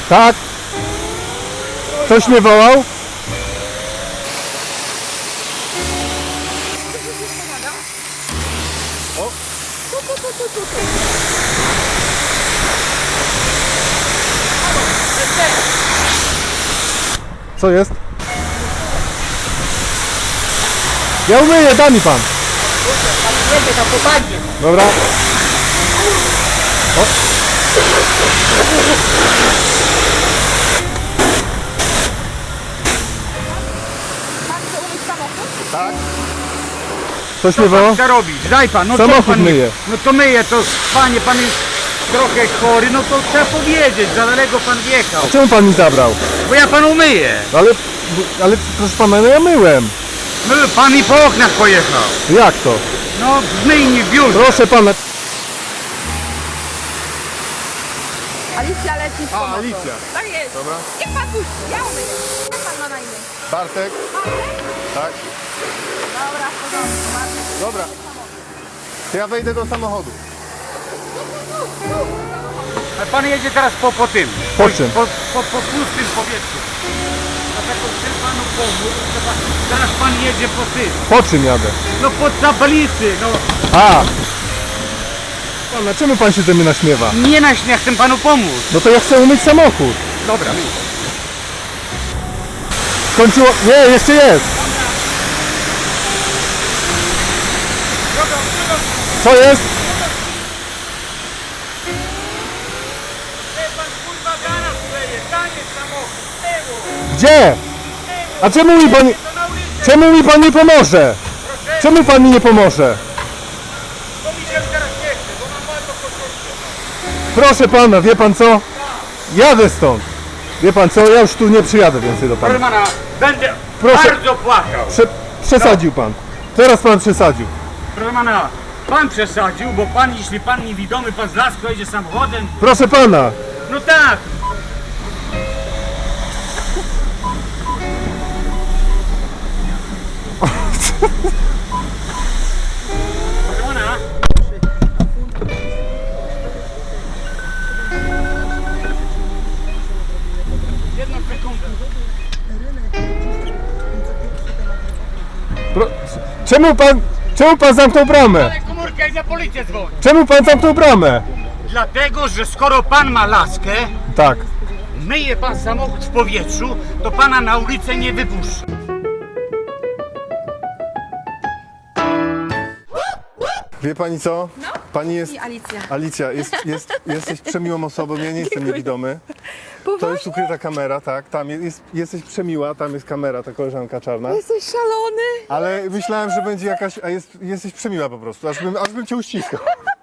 Tak? Ktoś mnie wołał? Co jest? Ja umyję, da mi pan. Jedzie tam po bagie. Dobra. O. Pan chce umyć samochód? Tak. Ktoś mnie wołał? Co robić? Daj pan, no Samochód co pan myje. No to myje, to panie, pan jest trochę chory, no to trzeba powiedzieć, za daleko pan wjechał. Czemu pan mi zabrał? Bo ja panu myję. Ale proszę pana, no ja myłem. No, pan mi po oknach pojechał. Jak to? No w myjni, w biurze. Proszę pana. Alicja leci z pomocą. Alicja. Tak jest. Dobra. Niech pan puści, ja umyję. Jak pan ma na imię? Bartek. Tak. Dobra, w porządku. Bartek. Dobra. To ja wejdę do samochodu. A pan jedzie teraz po tym. Po czym? Po pustym powietrzu. Dlatego chcę panu pomóc. Teraz pan jedzie po tym. Po czym jadę? No po tablicy, no. A! Pana, czemu pan się ze mnie naśmiewa? Nie na śmiech, chcę panu pomóc. No to ja chcę umyć samochód. Dobra. Skończyło... Nie, jeszcze jest. Co jest? Pan kurwa garaż kleje, tanie samochód, tyłu. Gdzie? A czemu mi pan... To na ulicy, Czemu mi pan nie pomoże? Czemu pan mi nie pomoże? bo mi się teraz nie chce, bo mam bardzo potrzebne. Proszę pana, wie pan co? Jadę stąd. Wie pan co? Ja już tu nie przyjadę więcej do Proszę pana. pana, będę Proszę. bardzo płakał. Przesadził pan. Teraz pan przesadził. Proszę pana, pan przesadził, bo pan, jeśli pan niewidomy, pan z lasu jedzie samochodem, Proszę pana. no tak. Proszę pana. Jedną sekundę. Pro... Czemu pan zamknął bramę? Ale komórkę i na policję dzwoni. Czemu pan zamknął bramę? Dlatego, że skoro pan ma laskę, Tak. myje pan samochód w powietrzu, to pana na ulicę nie wypuszcza. Wie pani co? No? Pani jest... I Alicja. Alicja, jesteś przemiłą osobą, ja nie jestem niewidomy. To jest ukryta kamera, tak, tam jesteś przemiła, tam jest kamera, ta koleżanka czarna. Jesteś szalony. Ale myślałem, że będzie jakaś, jesteś przemiła po prostu, aż bym cię uściskał.